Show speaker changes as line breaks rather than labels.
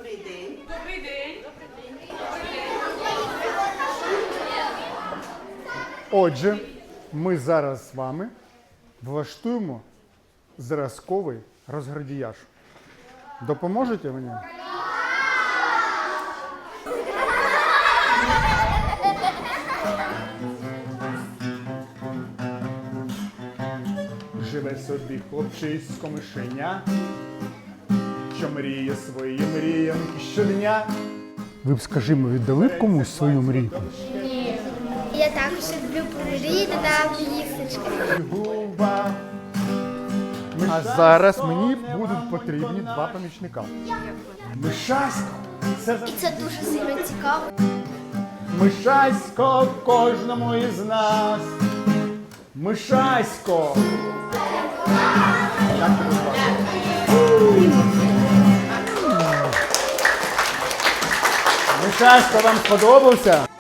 Добрий день.
Добрий день.
Отже, ми зараз з вами влаштуємо зразковий розградіяж. Допоможете мені? Живе собі хлопчисько мишеня, що мріє свої мріянки щодня. Ви б, скажімо, віддали б комусь свою мрію?
Я також люблю мрії додавати їсточки.
Губа. А зараз мені будуть потрібні два помічника. Мишасько,
І це дуже сильно цікаво.
Мишасько кожному із нас. Мишасько. Як тебе звати? Мишасько, вам сподобався?